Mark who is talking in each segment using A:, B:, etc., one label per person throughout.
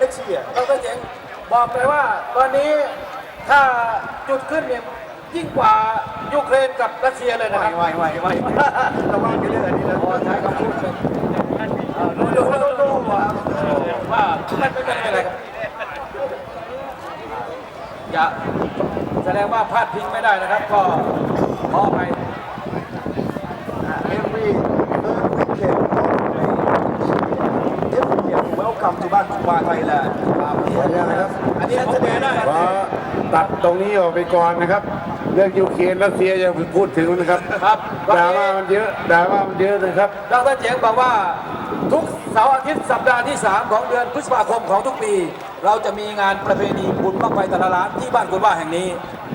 A: next year
B: ดรเจ๋งบอกเลยว่าตอนนี้ถ้าจุดขึ้นเนี่ยยิ่งกว่ายูเครนกับรัสเซียเลยนะครับ
A: ไม่เราว่ากันเรื่องอันนี้แล้ว
B: ใช้คำพูดเป็นดูว่าไม่เป็นไรครับอย่าแสดงว่าพลาดทิ้งไม่ได้นะครับก็ขอไป
A: every weekend welcome to บ้านทุกบ้านไทยแลนด์ครับ
B: อันนี้แสดงได้
C: ตัดตรงนี้ออกไปก่อนนะครับเรื่องยูเครนรัสเซียอย่าพูดถึงนะครับด่าว่ามันเยอะนะครับ
B: ดรเจ๋งบอกว่าทุกเสาร์อาทิตย์สัปดาห์ที่3ของเดือนพฤษภาคมของทุกปีเราจะมีงานประเพณีบุญบั้งไฟแต่ละล้านที่บ้านคุณว่าแห่งนี้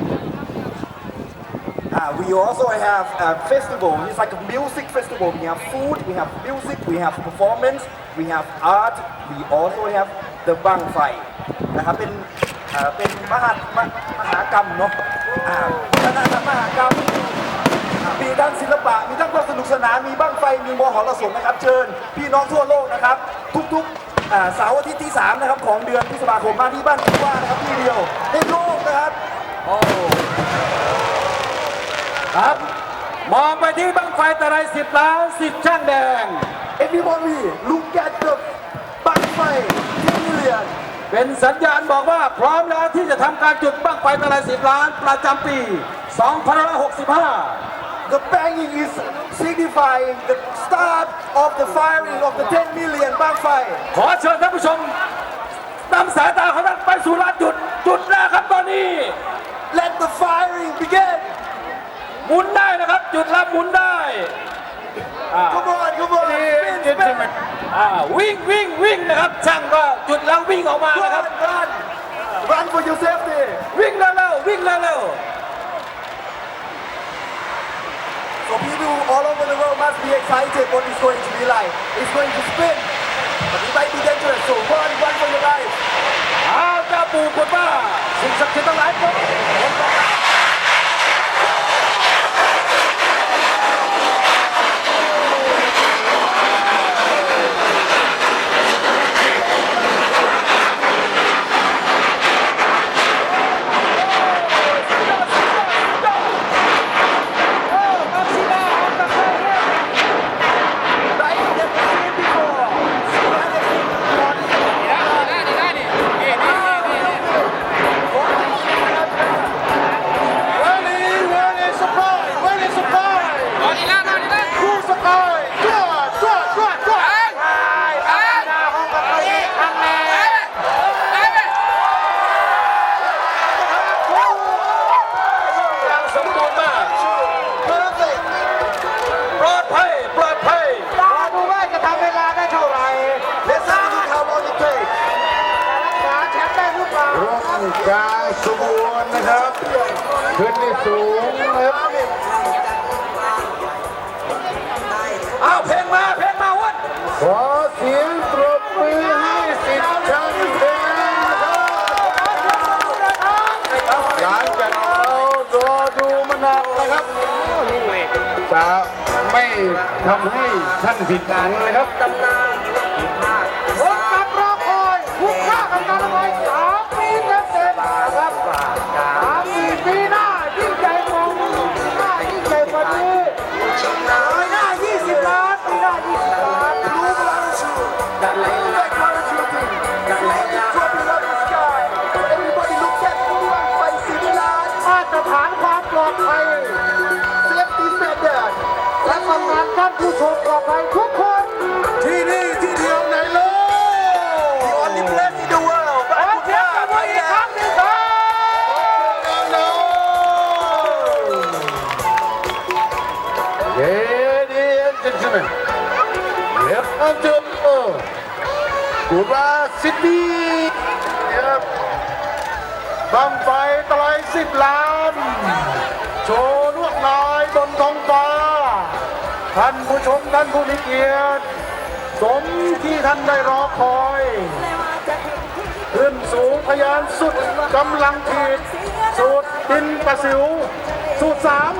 A: We also have a festival. It's like a music festival. We have food, we have music, we have performance, we have art. We also have the บั้งไฟนะครับเป็นมหากรรมเนาะมหากรรมมีทั้งศิลปะมีทั้งความสนุกสนานมีบั้งไฟมีมหรสพนะครับเชิญพี่น้องทั่วโลกนะครับทุกเสาร์อาทิตย์ที่3นะครับของเดือนพฤษภาคมมาที่บ้านคุณว่านะครับที่เดียวในโลกนะครับ
B: ครับมองไปที่บั้งไฟตะไล10 ล้าน10 ช่างแดง
A: Everybody look at the บั้งไฟ10 million
B: เป็นสัญญาณบอกว่าพร้อมแล้วที่จะทำการจุดบั้งไฟตะไล10 ล้านประจำปี2565
A: The banging is signifying the start of the firing of the 10 million บั้งไฟ
B: ขอเชิญท่านผู้ชมนำสายตาของท่านไปสู่ลานจุดแรกครับตอนนี้
A: Let the firing begin
B: หมุนได้นะครับจุดแล้วหมุนได้
A: Come on
B: วิ่งนะครับช่างก็จุดแล้ววิ่งออกมานะครับ
A: Run for your safety
B: วิ่งเร็ว
A: So people all over the world must be excited what it's going to be like It's going to spin but it might be dangerous so run for your life
B: เจ้าปู่กดว่าสิ่งศักดิ์สิทธิ์ทั้งหลายครับ
C: กลางสมบูรณ์นะครับขึ้นที่สูงนะครับ
B: เพลงมาวัน
C: ขอเสียงปรบมือให้สิทธิ์ช่างแดงนะครับหลังจากเรารอดูมานานนะครับจะไม่ทำให้ท่านผิดหวังเลยครับตำนาน
B: ผมกับรอคอยคุ้มค่ากับการไว้3 ปีเต็มนะครับ3 ปีหน้ายิ่งใหญ่กว่าหน้ายิ่งใหญ่กว่านี้หน้า20 ล้านปีหน้า20 ล้านรู้ไหมมาตรฐานความปลอดภัยและทำงานท่านผู้ชมปลอดภัยทุกคน
A: ที่นี่ที่เดียวในโลก The only place in the world
B: ขอเสียงปรบมืออีกครั้งหนึ่งครับ
C: Ladies and gentlemen, welcome to Gura City ครับบั้งไฟตะไล10 ล้านโชว์ลวดลายบนท้องฟ้าท่านผู้ชมท่านผู้มีเกียรติสมที่ท่านได้รอคอยขึ้นสูงทะยานสุดกำลังขีดสูดดินประสิวสูด3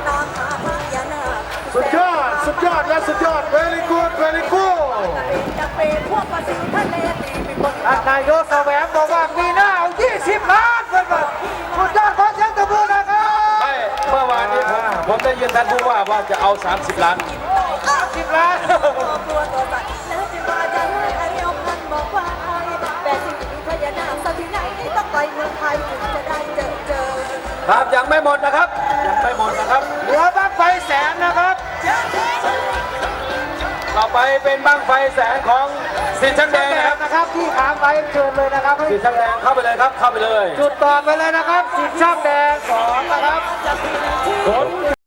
C: สุดยอดและสุดยอด very good
B: ท่านนายกแสวงบอกว่าปีหน้าเอา20 ล้านเพื่อนๆสุดยอดขอเสียงตบมือนะครับ
D: ไม่เมื่อวานนี้ผมได้ยินท่านผู้ว่าจะเอา30 ล้าน
B: 10 ล้าน
E: ตัวสั่นแล้วจะมาจะให้อาเรียวพันบอกว่าไอ้แต่สิ่งที่พญานาคสักที่ไหนต้องไปเมืองไทยถึงจะได้เจอ
D: ครับยังไม่หมดนะครับยังไม่หมดนะครับ
B: เหลือบั้งไฟแสนนะครับ
D: ต่อไปเป็นบั้งไฟแสนของสิทธิ์ช่างแดงนะครับ
B: นะครับที่ถามไปเชิญเลยนะครับ
D: สิทธิ์ช่างแดงเข้าไปเลยครับเข้าไปเลย
B: จุดต่อไปเลยนะครับสิบช่างแดง2นะครับ